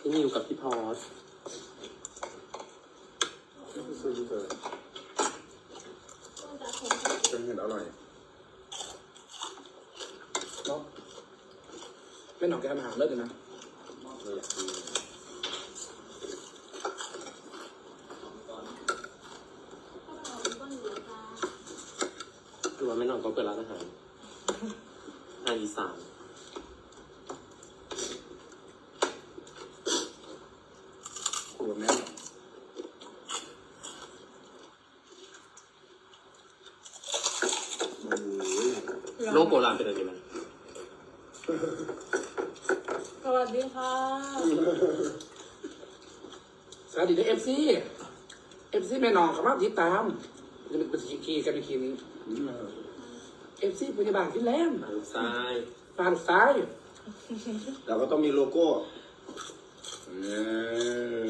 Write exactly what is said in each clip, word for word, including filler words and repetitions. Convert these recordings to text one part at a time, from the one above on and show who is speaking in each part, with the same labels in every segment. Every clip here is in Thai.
Speaker 1: พี่นิวกับพี่พอส
Speaker 2: ซื้อเจอเป็นเห็ดอร่อย
Speaker 3: เนาะไม่หนอกแกมาหาเลิศเลยนะ
Speaker 1: คือว่าไม่นอนก็เปิดร้านอาหารอาหารอีสาน
Speaker 2: ขวดแม่
Speaker 1: โลโบราณเป็นอะไรมัน
Speaker 4: สวัสดีค่ะ
Speaker 3: สวัสดีด้วยเอฟซีเอฟซีแม่น้องเขามาติดตามจะเป็นสกีกันในคีนี้เอฟซีพยาบาลฟินแลนด์
Speaker 1: ทางซ้าย
Speaker 3: ฟาดซ้าย
Speaker 2: เราก็ต้องมีโลโก้เออ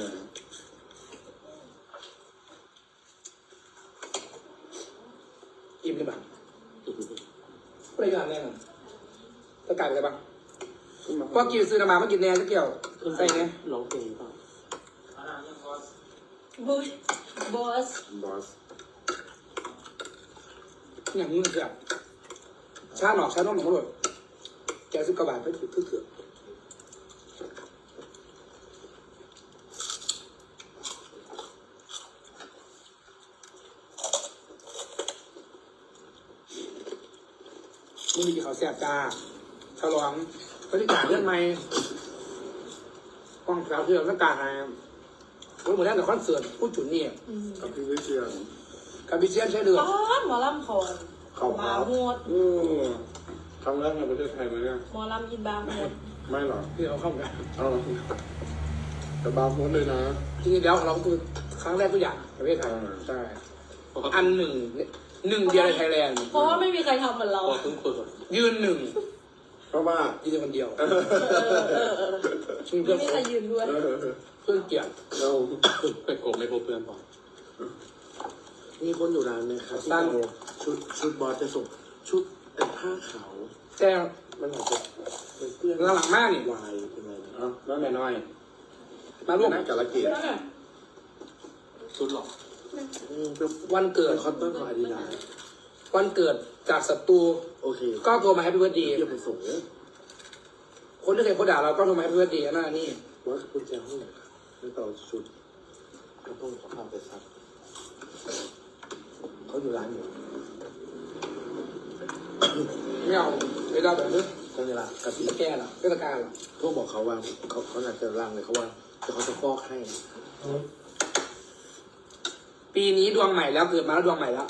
Speaker 3: อิ่มเลยบ้างรายการแน่นอนตะการอะไรบ้างพอกินซื้อมามากินแน่จะเกี่ยวใส่ไง
Speaker 1: ร้องเพลงเปล่า
Speaker 4: บุชบอส
Speaker 2: บอส
Speaker 3: อย่างนี้มันเสียชาหนอกชาน้องหนองหลดแกซื้อกระบาดไปถือถือถือนี่มีกี่เขาแสบตาฉลองบริการเรื่องไม่กล้องสาวเชื่อมต้องการอะไรวันเหมือนกับคอนเสิร์ตผู้จุนนี่
Speaker 2: กับพี่วิเชียน
Speaker 3: กับบิเซียนใช้เดือด
Speaker 4: ป้าหมอลำคอน
Speaker 2: เขา
Speaker 4: บา
Speaker 2: พับ
Speaker 4: โฮด
Speaker 2: อืมครั้งแรกในประเทศไทยไหมเนี่ย
Speaker 4: หมอลำอินบาโฮด
Speaker 2: ไม่หรอ
Speaker 3: ที่เราเข้ากัน
Speaker 2: เอาแต่บาร์โฮสเลยนะ
Speaker 3: จริงๆแล้วเราคือครั้งแรกทุกอย่างประเทศไทยใช่อันหนึ่งหนึ่งเดียวในไทยแลนด์
Speaker 4: เพราะว่าไม่มีใครทำเหมือนเรา
Speaker 1: พอเพิ่งเปิด
Speaker 3: ยืนหนึ่ง
Speaker 2: เพราะว่า
Speaker 3: ยืนคนเดียว
Speaker 4: เออเออเออ
Speaker 3: ชื่อ
Speaker 4: ไม่
Speaker 3: เพื่อน
Speaker 4: มีใครยืนด้วย
Speaker 2: เออ
Speaker 3: เพื่อนเกียรติ
Speaker 2: เรา
Speaker 1: ไปโกงไม่พบเพื่อนพอ
Speaker 5: มีคนอยู่ร้านนะครับที่เอาชุดชุดบอสจะส่งชุดเป็นผ้าขาว
Speaker 3: แต่
Speaker 5: มันอาจจะเป็นเพื่อน
Speaker 3: หลังมากนี่
Speaker 5: วายเป็นอะไรนะ
Speaker 2: เอาแล้วแม่น้อย
Speaker 3: มาร่วม
Speaker 2: นั่งกับละเกียรติ
Speaker 1: ชุดหรอ
Speaker 5: อืมเป็น
Speaker 3: วันเกิด
Speaker 5: เป็นคอตตอนของอาดิดาส
Speaker 3: วันเกิดจากศัตรู
Speaker 5: โอเค
Speaker 3: ก็โทรมาให้พี่เบิร์ดดี
Speaker 5: เดี๋ยวไปส่งเนี่ย
Speaker 3: คนที่เคยโคด่าเราก็โทรมาให้พี่เบิร์ดดีนั่นนี่
Speaker 5: ว่าคุณแจห้องไหนครับแล้วต่อชุดก็ต้องขอพาไปซักเขาอยู่ร้านอยู่
Speaker 3: ไม่เอาเวลาแบบนี้
Speaker 5: ก็เวลากับพี่
Speaker 3: แกล่ะเทศกาลล่ะ
Speaker 5: โทรบอกเขาว่าเขาเขาอยากจะร่างเลยเขาว่าจะเขาจะฟอกให้
Speaker 3: ปีนี้ดวงใหม่แล้วเกิดมาแล้วดวงใหม่แล้ว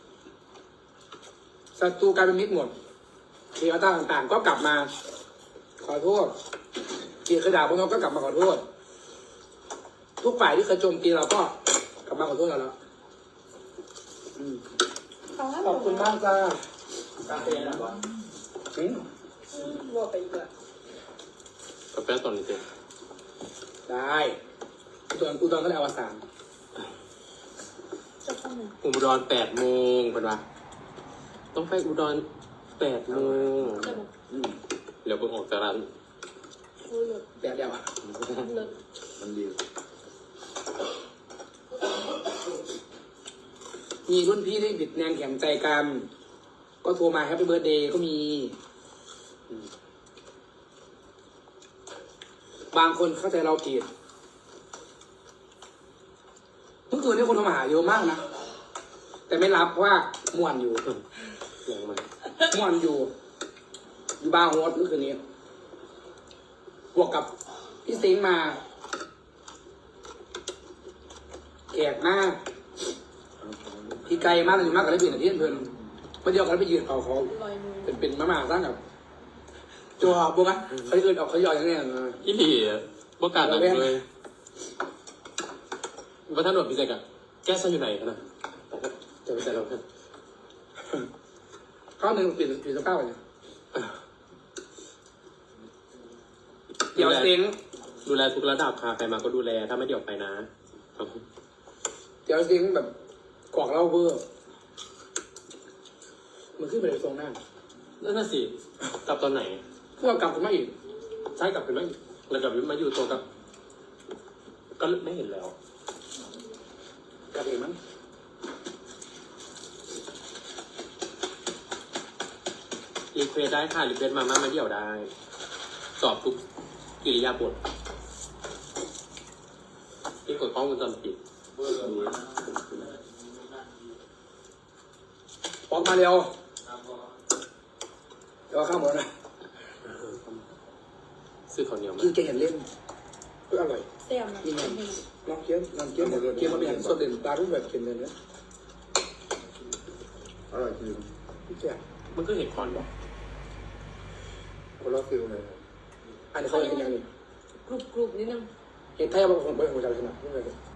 Speaker 3: ศัตรูกลายเป็นมิตรหมดเทวดาต่างๆ ก็กลับมา ขอโทษที่เคยด่าพวกเราก็กลับมาขอโทษ ทุกฝ่ายที่เคยโจมตีเราก็กลับมาขอโทษเราแล้วอืมขอบคุณมากจ้ากาแฟนะวะอืม
Speaker 4: บัวไปอีกอะ
Speaker 1: กาแฟตอนนี้เต็ม
Speaker 3: ได้อุดรอุดรก็ได้อวสาน
Speaker 4: จะเข้ามา
Speaker 1: อุดรแปดโมงเป็นปะต้องไปอุดรแปดโมง
Speaker 4: จะบอก
Speaker 3: อืม
Speaker 1: เดี๋ยวเพิ่งออกจากร้าน
Speaker 4: เลิศ
Speaker 3: แบบเดียวอะ
Speaker 4: เลิศ
Speaker 5: มันดี
Speaker 3: มีรุ่นพี่ที่บิดแนงแข็งใจกัน ก็โทรมาแฮปปี้เบิร์ดเดย์ก็มี บางคนเข้าใจเราผิดเมื่อคืนนี้คนโทรมาหาเยอะมากนะ แต่ไม่รับเพราะว่าม่วนอยู่
Speaker 1: ยังไง
Speaker 3: ม่วนอยู่ อยู่บาร์โฮสเมื่อคืนนี้ บวกกับพี่ซิงค์มาแขกมาก พี่ไกลมากเลยมากกับได้เปลี่ยนที่เพื่อนมาเดียวกันไปยืนเอาเขา
Speaker 4: ลอยมือ
Speaker 3: เป็นเป็นมาม่าสร้างกับจัวบุ้งอ่ะเขาเอื่นออกเขาย่อยอย่างเนี้ยนะ
Speaker 1: อีหลีประกาศหนังเลยว่าท่านหนวดพิเศษอะแก้ซะอยู่ไหนกันนะจะไปใส่เราเพื่อน
Speaker 3: ข้าวหนึ่งเปลี่ยนเปลี่ยนสภาพไปเนี่ยเดี๋ยวเซ็ง
Speaker 1: ดูแลทุกระดับค่ะใครมาก็ดูแลถ้าไม่เดี๋ยวไปนะ
Speaker 3: เดี๋ยวเซ็งแบบกรอกเหล้าเวอร์มันขึ้นไปในทรงหน้า
Speaker 1: นั่นน่ะสิกลับตอนไหน
Speaker 3: เพื่อเอากลับขึ้นมาอีก
Speaker 1: ใช่กลับเป็นไหมแล้วกลับมาอยู่ตัวกับก็ไม่เห็นแล้ว
Speaker 3: กลับเองมั้ง
Speaker 1: รีเควสได้ค่ะรีเควสมาม่ามาเดี่ยวได้ สอบทุกกิริยาบทที่กดกล้องวงจรปิด
Speaker 3: ออกมาเร็วเดี๋ยวข้าวหมดนะ
Speaker 1: ซื้อข้าวเหนียวมา
Speaker 3: กินแกงเห็นเล่นก็อร่อย
Speaker 4: แซ่บนะ
Speaker 3: นี่ไงน้องเกี้ยวน้องเกี้ยวเกี้ยวมาเป็นสดเด่นปลารูปแบบเค็มเลยนะ
Speaker 2: อร่อยจริง
Speaker 3: พี่แจ๊
Speaker 1: มันก็เห็นคอนบอก
Speaker 2: คนละฟิลเลย
Speaker 3: อันนี้เขาเห็นยังนี่
Speaker 4: กรุบกรุบนิดนึง
Speaker 3: เห็นไทยบางคนไปหัวใจขนาดนี้เลย